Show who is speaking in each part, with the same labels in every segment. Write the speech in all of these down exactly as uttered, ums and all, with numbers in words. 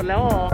Speaker 1: ดแล้วเหรอ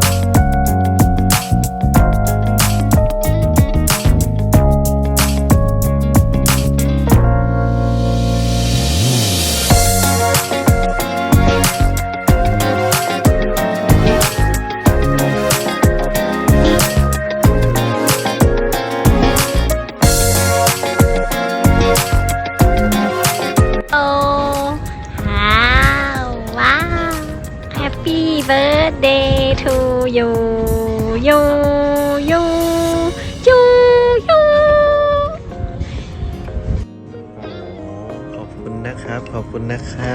Speaker 2: Birthday to you you you you you
Speaker 3: ขอบคุณนะครับ ขอบคุณนะครับ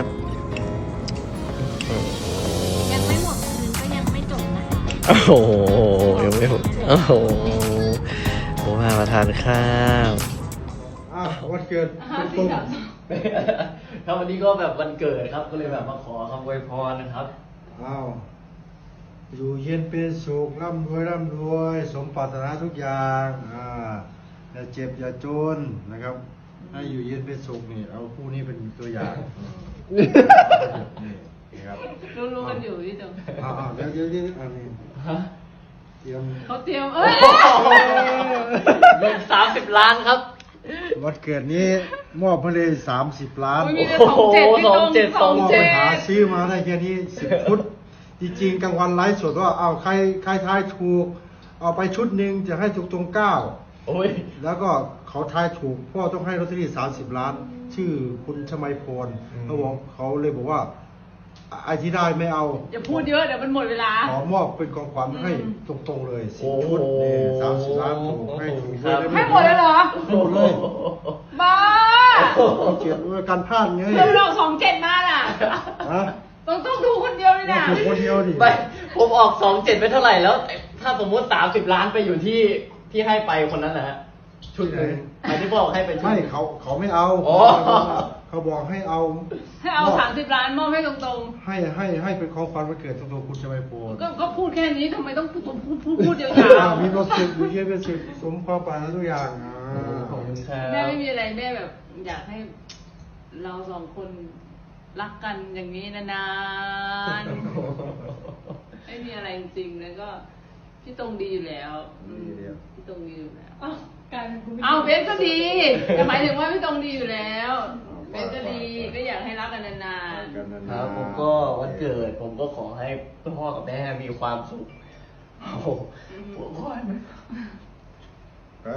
Speaker 2: ยังไม่หมดคืนก็ยังไม่จบนะคะ
Speaker 3: โอ้โหยังไม่หมดโอ้โหผมพามาทานข้าว
Speaker 4: อ้าววันเกิดคุณตุ้ม
Speaker 5: ครับวันนี้ก็แบบวันเกิดครับก็เลยแบบมาขอคำอวยพรนะครับ
Speaker 4: อ้าวอยู่เย็นเป็นสุขร่ำรวยร่ำรวยสมปรารถนาทุกอย่างอ่าอย่าเจ็บอย่าจนนะครับให้อยู่เย็นเป็นสุขนี่เอาคู่นี้เป็นตัวอย่างนี่นะครับ
Speaker 1: รู้ๆกันอยู่พี่ตง
Speaker 4: อ้าวเดี๋ยวเดี๋ยวเดี๋ยวอันนี้เตรียม
Speaker 1: เขาเตรียมเอ้ย
Speaker 5: เงินสามสิบล้านครับ
Speaker 4: วันเกิดนี้มอบมาเลยสามสิบล้าน
Speaker 1: มีแต่สองเจ็ดพี่ตงสอง
Speaker 4: มอบ
Speaker 1: เจ็
Speaker 4: ไป
Speaker 1: ด
Speaker 4: หาซื้อมาได้แค่นี้สิบฟุตจริงๆกลางวันไลฟ์สดว่าเอาใครใครทายถูกเอาไปชุดหนึ่งจะให้ถูกตรงเก้า
Speaker 5: โอ้ย
Speaker 4: แล้วก็เขาทายถูกพ่อต้องให้ลอตเตอรี่สามสิบล้าน ชื่อคุณชมัยพรเขาบอกเขาเลยบอกว่าไอ้ที่ได้ไม่เอา
Speaker 1: อย่าพูดเยอะเดี๋ยวมันหมดเวลา
Speaker 4: ขอมอบเป็นของขวัญให้ตรงๆเลยสิบชุดนี่สามสิบล้านถูกให้ถูกเลย
Speaker 1: ให้หมดเลยเหรอ
Speaker 4: ให้หมดเลย
Speaker 1: บ้า
Speaker 4: เกียรติว่าการพลาดไง
Speaker 1: เดี๋ยวเราสองเจ็ดมาน่ะ
Speaker 4: ฮะ
Speaker 1: ต้องต้องดูคนเดียวเลยนะ
Speaker 4: ถูกคนเดียวดิ
Speaker 5: ไปผมออกสองเจ็ดไปเท่าไหร่แล้ว ถ้าสมมุติสามสิบล้านไปอยู่ที่ที่ให้ไปคนนั้นนะฮะชุดหนึ่งหมายที่บอกให้ไปชุด
Speaker 4: ไม่
Speaker 5: หนึ่ง
Speaker 4: เขาเขาไม่เอา
Speaker 5: อ๋อ
Speaker 4: เขาบอกให้เอา
Speaker 1: ให้เอาสามสิบล้านมอบให้ตรง
Speaker 4: ให้ให้ให้เป็นของขวัญวันเกิดตรงๆคุณชมัยพร
Speaker 1: ๆ ก็ก็พูดแค่นี้ทำไมต้องพูดพูดพูดพูดยา
Speaker 4: อ่าว มีความสุขอยู่เย็นเป็นสุขสมความปรารถนาทุกอย่างอ่า
Speaker 5: ขอบคุณครั
Speaker 1: ๆแม่
Speaker 5: บ
Speaker 1: ไม่มีอะไรแม่แบบ อยากให้เราสองคนรักกันอย่างนี้นานๆ ไม่มีอะไรจริงๆแล้วก็พี่ตรงดีอยู่แล้วอืมพี่ตรงดีอยู่แล้ว
Speaker 6: กลายเป็นคุณ
Speaker 1: เอาเบนก็ดีแต่หมายถึงว่าพี่ตรงดีอยู่แล้วเบนก็ดีก็อยากให้รักกันนาน
Speaker 4: กันนานๆ
Speaker 5: ครับผมก็วันเกิด ผมก็ขอให้พ่อกับแม่มีความสุขโอ้โหผมขอให้มัน
Speaker 4: ไป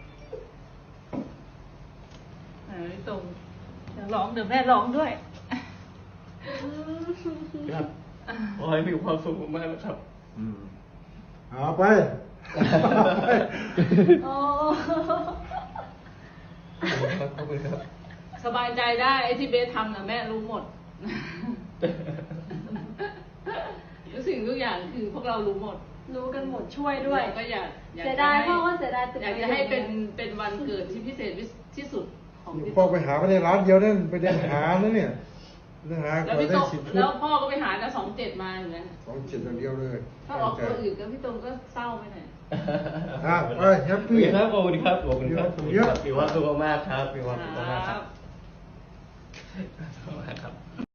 Speaker 1: ๆเออพี่ตรงอยากร้องเดี๋ยวแม่ร้องด้วย
Speaker 5: ครับขอให้มีความสุขมากๆนะครับ
Speaker 4: อืมเอาไป
Speaker 6: โอ้
Speaker 5: ขอบคุณครับ
Speaker 1: สบายใจได้ไอ้ที่เบสทำนะแม่รู้หมด ทุกสิ่งทุกอย่างคือพวกเรารู้หมด
Speaker 6: รู้กันหมดช่วยด้วย
Speaker 1: เราก็อยากอยาก
Speaker 6: เสียดาย
Speaker 1: จะให้
Speaker 6: พ่อก็เสียดายตึก
Speaker 1: อยากจะให้เป็นเป็นวันเกิดที่พิเศษที่สุดของพี่
Speaker 4: พ่อไปหาไม่ได้ร้านเดียวนั่นไปเดินหาแล้วเนี่ยเดินหา
Speaker 1: แล้ว
Speaker 4: ก็
Speaker 1: พี่
Speaker 4: ได้
Speaker 1: ตรง
Speaker 4: สิบชุด
Speaker 1: แล้วพ่อก็ไปหาแต่สองเจ็ดมาอย่างนั้น
Speaker 4: สองเจ็ดอย่างเดียวเลย
Speaker 1: ถ้าออกตัวอื่นก็พี่ตรงก็เศร้าไปหน่อย
Speaker 4: อ่ะไปแฮป
Speaker 5: ขอบ
Speaker 4: ปี้
Speaker 5: คุณครับขอบคุณครับขอบคุณครับ
Speaker 4: เยอะ
Speaker 5: มีความสุขมากครับมีความสุขมากค
Speaker 1: ครั
Speaker 5: รับบ ขอบคุณมากครับ